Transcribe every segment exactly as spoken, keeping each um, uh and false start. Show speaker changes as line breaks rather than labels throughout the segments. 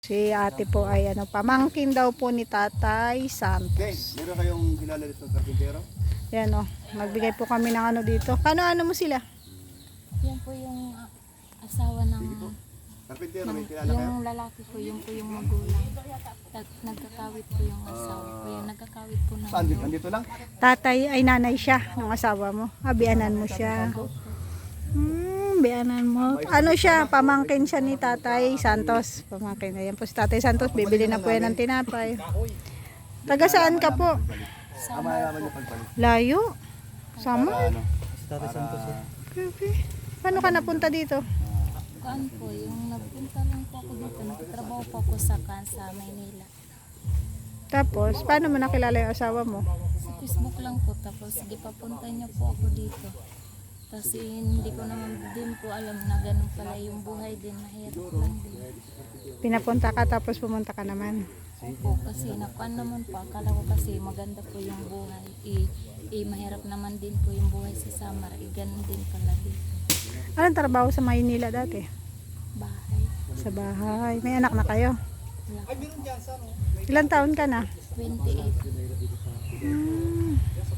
Si ate po ay ano, pamangkin daw po ni Tatay Santos.
Okay, meron kayong kilala dito ng karpintero?
Yan o, magbigay po kami ng ano dito. Ano-ano mo sila?
Yan po yung ah, asawa ng,
Karpintero,
ng
may kilala kayo?
yung lalaki ko, yung po yung magulang. Nag, nagkakawit po yung asawa ko. Yung nagkakawit po na.
Saan dito? Andito lang?
Tatay ay nanay siya ng asawa mo. Ah, bianan mo siya. Hmm, bianan mo. Ano siya, pamangkin siya ni Tatay Santos. Pamangkin. Ayan po si Tatay Santos, bibili na po yan ng tinapay. Taga saan ka po?
Ah, malaman niyo pagbalik.
Layo. Sama?
Para ano?
Tatay Santos eh.
Grabe. Paano ka napunta dito?
Kuan po, yung nagpunta lang po ako dito. Nagtatrabaho po ako sa Kansa, Maynila.
Tapos, paano mo nakilala yung asawa mo?
Sa Facebook lang po. Tapos sige, papunta niya po ako dito. Tapos eh, hindi ko naman din po alam na ganun pala yung buhay din. Mahirap lang din.
Pinapunta ka tapos pumunta ka naman.
Opo, kasi nakuan naman po. Akala ko kasi maganda po yung buhay. Eh, eh, mahirap naman din po yung buhay sa Samar. Eh, ganun din pala dito.
Anong trabaho sa Maynila dati?
Bahay.
Sa bahay. May anak na kayo?
Wala.
Ilang taon ka na?
twenty-eight.
Hmm.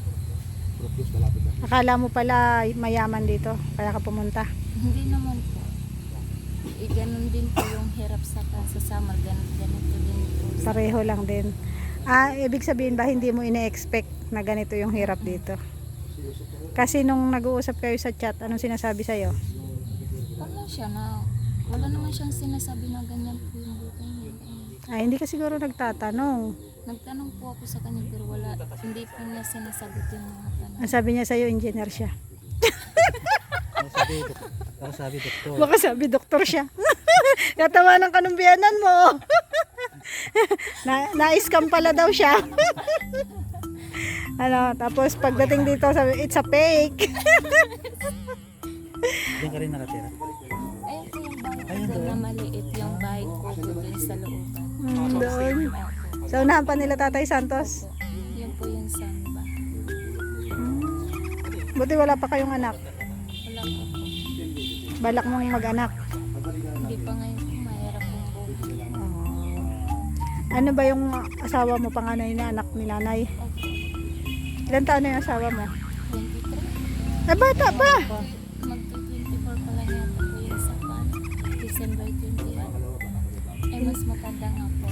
Akala mo pala mayaman dito, kaya ka pumunta.
Hindi naman po. Eh, ganun din po yung hirap sa sa Samar. Ganun, ganito din po.
Pareho lang din. Ah, ibig sabihin ba hindi mo ine-expect na ganito yung hirap dito? Kasi nung nag-uusap kayo sa chat, anong sinasabi sa'yo?
Wala siya na, wala naman siyang sinasabi na ganyan po yung buhay niya. Eh,
Ah, hindi ka siguro nagtatanong.
nagtanong po ako sa kanya pero wala, hindi po niya sinasagot yung mga tanong.
Ang sabi niya sa'yo, engineer siya.
Ako sabi, dok- ako sabi doktor.
Baka sabi, doktor siya. Natawanan ka ng biyanan mo. na, na-scam pala daw siya. Ano, tapos pagdating dito, sabi, it's a fake.
Diyan ka rin nakatira.
Ayun po yung bahay ko
Ayun
doon
doon.
na maliit yung bahay ko doon sa looban.
Hmm, doon. So, unahan pa nila Tatay Santos.
Opo, yun po yung samba.
Buti wala pa kayong anak.
Wala po po.
Balak mong mag-anak.
Hindi pa ngayon po mahirap yung buhay.
Ano ba yung asawa mo, panganay na anak ni nanay?
Opo,
Ilan taon na yung asawa mo?
twenty-three.
Eh, bata pa.
Magto-twenty-four pa lang yata po yung sa pan. December twenty-one. Ay, mas matanda nga po.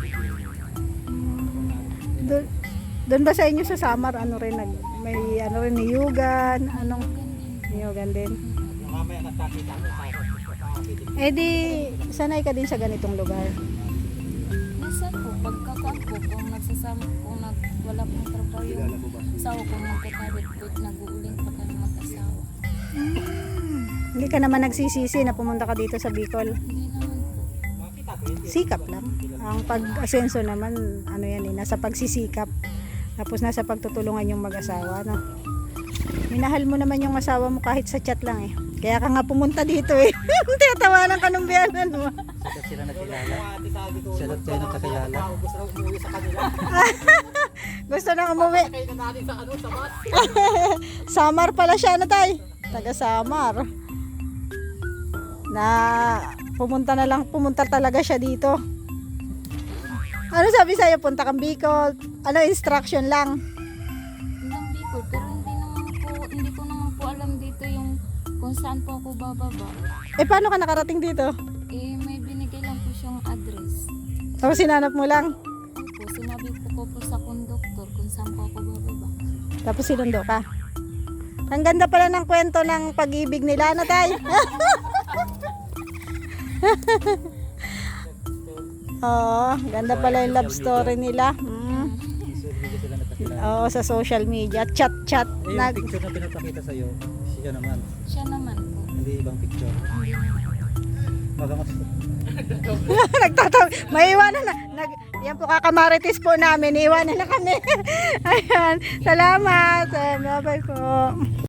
Doon, doon ba sa inyo sa Samar, ano rin, nag, may ano rin, niyugan, anong, niyugan din? Eh di, sanay ka din sa ganitong lugar.
Minsan po, pagkakuan po, kung nagsasama, kung nag, wala pong trabaho yung asawa ko, nagkakabit po, nag-uuling pa kami mag-asawa.
Hindi ka naman nagsisisi na pumunta ka dito sa Bicol.
Hindi naman po.
Sikap lang. Ang pag-asenso naman, ano yan eh, nasa pagsisikap. Tapos nasa pagtutulungan yung mag-asawa, no? Minahal mo naman yung asawa mo kahit sa chat lang eh. Kaya ka nga pumunta dito eh. Tiyatawanan ka ng biyanan mo.
Siya sila nakilala. Siya daw tayo nakakilala.
Gusto na umuwi. Samar pala siya na tay. Taga Samar. Na pumunta na lang, pumunta talaga siya dito. Ano sabi sa'yo? Punta kang Bicol. Ano, instruction lang.
Hanggang Bicol, pero hindi naman po, hindi ko naman po alam dito yung kung saan po ako bababa.
Eh paano ka nakarating dito?
Eh, may binigay lang po siyang address.
Tapos sinanap mo lang.
Opo, sinabi ko po po sa konduktor kung saan po ako bababa.
Tapos sinundo ka. Ang ganda pala ng kwento ng pag-ibig nila, ano tay? Oo, ganda pala yung love story nila. Hmm.
Hindi sila nakakilala.
Oo, sa social media. Chat-chat.
Eh, yung
Nag
picture na pinapakita sa'yo, siya naman.
Siya naman po.
Hindi ibang picture.
Hindi naman.
Baga mas...
Nagtataw. May iwanan na. Nag, yan po kakamaritis po namin. Iwanan na kami. Ayan. Salamat. Bye-bye po.